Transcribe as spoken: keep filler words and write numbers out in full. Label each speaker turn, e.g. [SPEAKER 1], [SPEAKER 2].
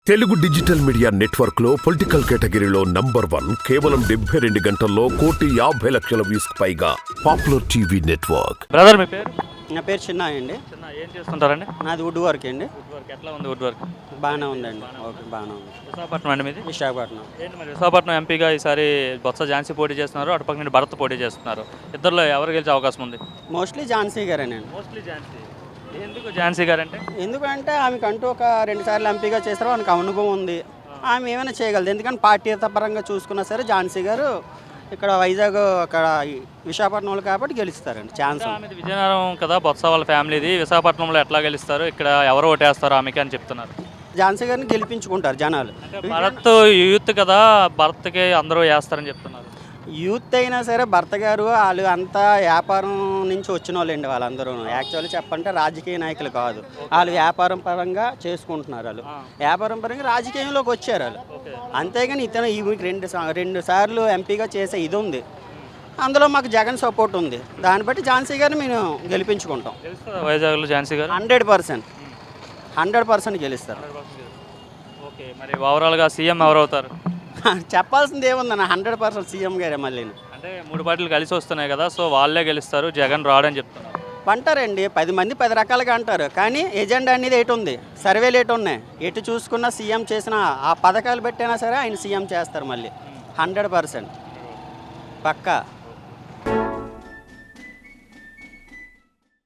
[SPEAKER 1] Telugu digital media network లో political కేటగిరీలో number one కేవలం డెబ్బై రెండు గంటల్లో కోటి యాభై లక్షల వ్యూస్ పైగా పాపులర్ టీవీ నెట్వర్క్.
[SPEAKER 2] బ్రదర్ మీ పేరు?
[SPEAKER 3] నా పేరు చిన్న అండి.
[SPEAKER 2] చిన్న ఏం చేస్తుంటారండి?
[SPEAKER 3] నాది వుడ్ వర్క్ అండి.
[SPEAKER 2] వుడ్ వర్క్ ఎట్లా ఉంది? వుడ్ వర్క్
[SPEAKER 3] బాగానే ఉందండి. ఓకే, బాగానే ఉంది.
[SPEAKER 2] విశాఖపట్నం అండి మీది?
[SPEAKER 3] విశాఖపట్నం.
[SPEAKER 2] ఏంటి మరి విశాఖపట్నం ఎంపీగా ఈసారి బొత్స ఝాన్సీ పోటీ చేస్తున్నారు, అటుపక్క నుండి భరత్ పోటీ చేస్తున్నారు. ఇద్దరులో ఎవరు గెలిచే అవకాశం ఉంది?
[SPEAKER 3] మోస్ట్లీ ఝాన్సీ గారేనండి.
[SPEAKER 2] మోస్ట్లీ ఝాన్సీ. ఎందుకు ఝాన్సీ గారు అంటే?
[SPEAKER 3] ఎందుకంటే ఆమెకు అంటూ ఒక రెండు సార్లు ఎంపీగా చేస్తారో ఆమెకు అనుభవం ఉంది. ఆమె ఏమైనా చేయగలదు. ఎందుకంటే పార్టీత పరంగా చూసుకున్నా సరే ఝాన్సీ గారు ఇక్కడ వైజాగ్ అక్కడ విశాఖపట్నంలో కాబట్టి గెలుస్తారండి. ఛాన్స్
[SPEAKER 2] ఆమెది విజయనగరం కదా, బొత్స వాళ్ళ ఫ్యామిలీది. విశాఖపట్నంలో ఎట్లా గెలుస్తారు, ఇక్కడ ఎవరు ఓటేస్తారు ఆమెకి అని చెప్తున్నారు.
[SPEAKER 3] ఝాన్సీ గారిని గెలిపించుకుంటారు జనాలు.
[SPEAKER 2] భరత్ యూత్ కదా, భరత్కి అందరూ వేస్తారని చెప్తున్నారు.
[SPEAKER 3] యూత్ అయినా సరే భర్త గారు వాళ్ళు అంతా వ్యాపారం నుంచి వచ్చిన వాళ్ళండి. వాళ్ళందరూ యాక్చువల్లీ చెప్పంటే రాజకీయ నాయకులు కాదు, వాళ్ళు వ్యాపారం పరంగా చేసుకుంటున్నారు. వాళ్ళు వ్యాపారం పరంగా రాజకీయంలోకి వచ్చారు వాళ్ళు. అంతేగాని ఇతను ఈ రెండు రెండు సార్లు ఎంపీగా చేసే ఇది ఉంది. అందులో మాకు జగన్ సపోర్ట్ ఉంది. దాన్ని బట్టి ఝాన్సీ గారిని మేము గెలిపించుకుంటాం.
[SPEAKER 2] వైజాగ్లో Jhansi garu
[SPEAKER 3] hundred percent hundred percent గెలుస్తారు.
[SPEAKER 2] ఓకే, మరి ఓవరాల్గా సీఎం ఎవరు అవుతారు?
[SPEAKER 3] చెప్పాల్సింది ఏముందన్న, హండ్రెడ్ పర్సెంట్ సీఎం గారే. మళ్ళీ
[SPEAKER 2] అంటే మూడు పార్టీలు కలిసి వస్తున్నాయి కదా, సో వాళ్ళే గెలుస్తారు, జగన్ రాడని చెప్తున్నారు.
[SPEAKER 3] అంటారండి, పది మంది పది రకాలుగా అంటారు. కానీ ఎజెండా అనేది ఎటు ఉంది, సర్వేలు ఎటు ఉన్నాయి, ఎటు చూసుకున్నా సీఎం చేసిన ఆ పథకాలు పెట్టైనా సరే ఆయన సీఎం చేస్తారు మళ్ళీ. హండ్రెడ్ పర్సెంట్ పక్కా.